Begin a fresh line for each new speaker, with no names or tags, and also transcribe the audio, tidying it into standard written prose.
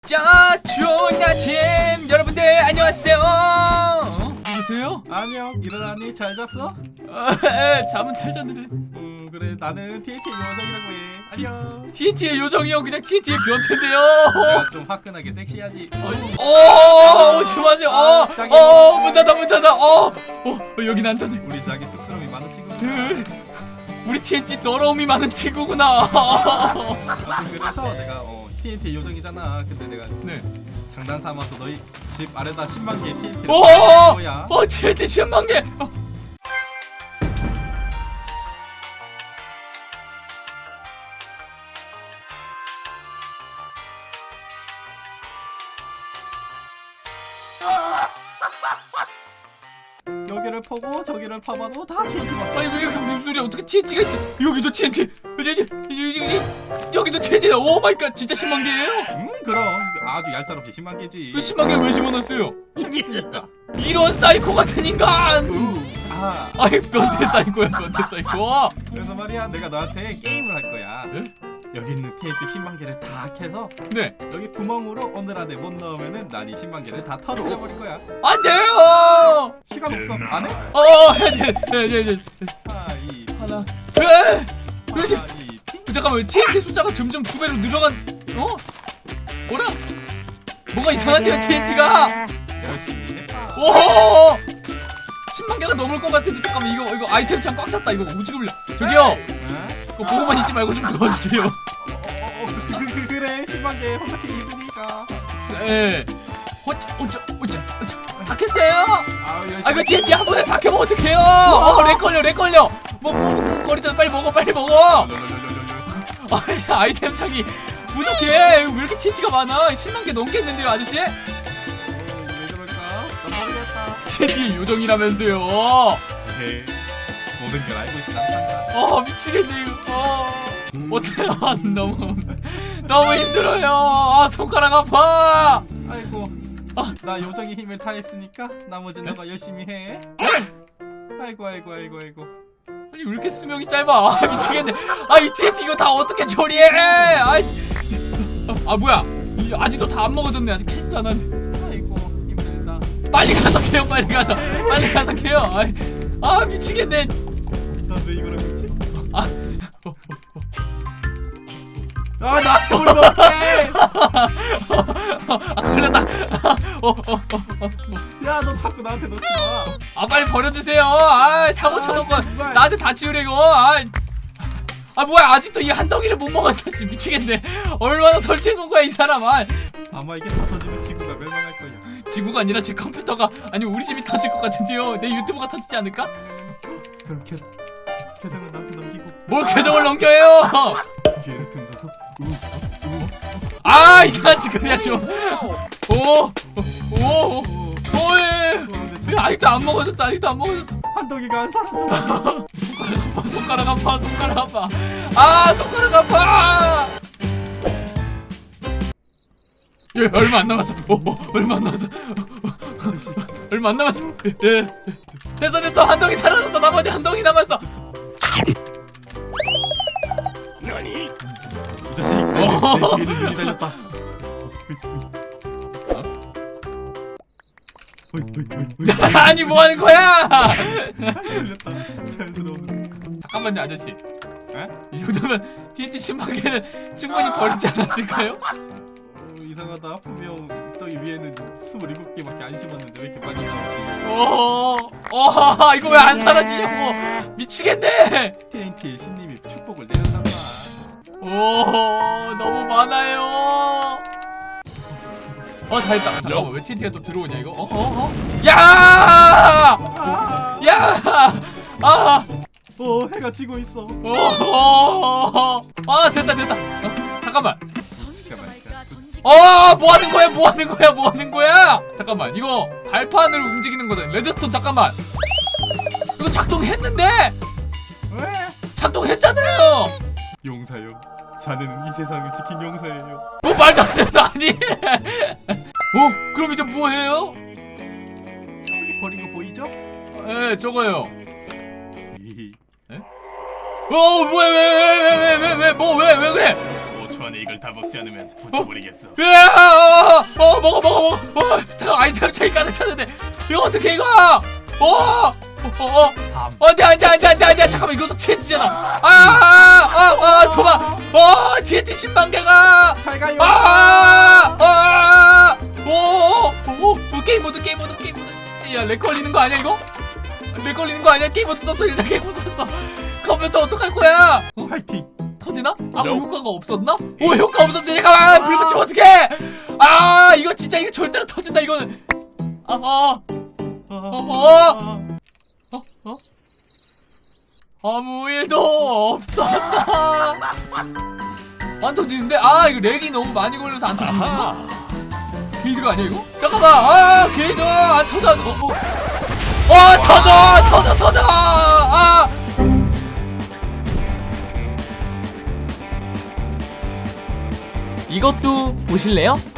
자, 좋은 아침 여러분들 안녕하세요. 누구세요?
안녕, 일어나니? 잘 잤어?
잠은 잘 잤는데.
그래, 나는 TNT 요정이라고 해. 안녕.
TNT의 요정이요? 그냥 TNT의 변태인데요.
내가 좀 화끈하게 섹시하지.
오지 마세요. 문 닫아. 여긴 안전해.
우리 자기 쑥스러움이 많은 친구.
우리 TNT 더러움이 많은 친구구나.
그래서 내가 TNT 요정이잖아. 근데 내가
네.
장난 삼아서 너희 집 아래다 10만 개의 TNT를
오,
거야.
TNT 10만 개.
여기를 퍼고 저기를 파봐도 다 TNT가.
아니 왜 이렇게 무슨 소리야? 어떻게 TNT가 있어? 여기도 TNT. 여기도 TNT다. 오 마이 갓. 진짜 10만 개예요?
그럼 아주 얄짤없이 10만 개지.
10만 개를 왜 심어놨어요?
재밌으니까.
이런 사이코 같은 인간. 아이 변태 사이코야 변태 사이코.
그래서 말이야, 내가 너한테 게임을 할 거야.
네?
여기 있는 TNT 10만 개를 다 캐서
네.
여기 구멍으로 오늘 안에 못 넣으면은 난 이 10만 개를 다 털어버릴 거야.
안 돼요.
시간 없어. 안 해?
네.
하이.
하나.
하이.
잠깐만 TNT 숫자가 점점 2배로 늘어간. 뭐라? 뭐가 이상한데요 TNT가?
열심히 해봐.
오! 10만 개가 넘을 것 같은데 잠깐만 이거 아이템 창 꽉 찼다. 이거 오지 그래. 저기요. 그거 보고만 있지 말고 좀 도와주세요.
그래. 10만 개 혼자 캐기 힘드니까.
네. 어쩌. 다 캤어요?
열심히.
아 이거 TNT 한 번에 다 캐면 어떡해요? 렉 걸려. 뭐 거리잖아. 빨리 먹어. 아이템 창이 부족해. 왜 이렇게 TNT가 많아? 10만 개 넘겠는데요 아저씨?
왜 그럴까? 난 모르겠다.
TNT 요정이라면서요.
네. 모든 걸 알고 있지 않단다.
미치겠네 이거. 어때요? 너무 힘들어요. 손가락 아파.
아이고. 나 요정의 힘을 다했으니까 나머지 너가 열심히 해. 아이고.
아니 왜 이렇게 수명이 짧아? 미치겠네. 이 TNT 이거 다 어떻게 처리해? 뭐야? 아직도 다 안 먹어졌네. 아직 캐지도 않았네.
아이고, 힘들다.
빨리 가서 캐요. 빨리 가서 캐요. 미치겠네.
난 왜 이거를 했지?
아
나한테 오면 어떡해!
걸렸다.
야, 너 자꾸 나한테 놓지 마.
빨리 버려주세요. 사고 쳐놓고
정말.
나한테 다 치우래고. 뭐야 아직도 이 한 덩이를 못 먹었어. 지금 미치겠네. 얼마나 설치해놓은 거야 이 사람.
아마 이게 다 터지면 지구가 멸망할 거야.
지구가 아니라 제 컴퓨터가 아니 우리 집이 터질 것 같은데요. 내 유튜브가 터지지 않을까?
그럼 계정은 나한테 넘기고
뭘 계정을 넘겨요?
기회를 틈타서
이상한 짓거리야 지금. 왜 아직도 안 먹어졌어.
한 덩이가 안 사라져.
손가락 아파. 손가락 아파. 얼마 안 남았어. 얼마 안 남았어. 됐어. 한 덩이 사라졌어. 나머지 한 덩이 남았어.
이 자식 내 뒤에는 눈이 달렸다.
아니 뭐 하는 거야?
달렸다. 자연스러운.
잠깐만요 아저씨.
에?
이 정도면 TNT 10만 개는 충분히 버리지 않았을까요?
이상하다. 분명 저기 위에는 27개밖에 안 심었는데 왜 이렇게 많이 나오지?
이거 왜 안 사라지냐고. 미치겠네.
TNT의 신님이 축복을 내렸나 봐.
너무 많아요. 다 했다. 잠깐만 왜 TNT가 또 들어오냐 이거? 야!
해가 지고 있어.
됐다. 잠깐만.
잠깐만.
뭐 하는 거야? 잠깐만 이거 발판을 움직이는 거잖아. 레드스톤 잠깐만. 이거 작동했는데?
왜?
작동했잖아요.
용사요. 자네는 이 세상을 지킨 용사예요.
말도 안 되는 아니? 그럼 이제 뭐 해요?
여기 버린 거 보이죠?
저거요.
이
뭐야 왜 그래?
5초 안에 이걸 다 먹지 않으면 부숴버리겠어.
으아! 먹어. 잠깐 아이템 차이 가득 찼는데 이거 어떻게 이거? 안돼. 잠깐만 이것도 TNT잖아. 줘봐. TNT 10만 개가.
잘 가요.
게임 모드. 야, 렉 걸리는 거 아니야 이거? 렉 걸리는 거 아니야? 게임 모드 썼어. 일단 게임 모드 썼어. 컴퓨터 어떡할 거야?
파이팅.
터지나? 아무 효과가 없었나? 오, 효과 없었네. 잠깐만, 불 붙이면 어떡해? 이거 진짜 이거 절대로 터진다 이거는. 아무 일도 없었다. 안 터지는데? 이거 렉이 너무 많이 걸려서 안 터지는가? 게이드가 아니야 이거? 잠깐만. 게이드 안 터져. 터져.
이것도 보실래요?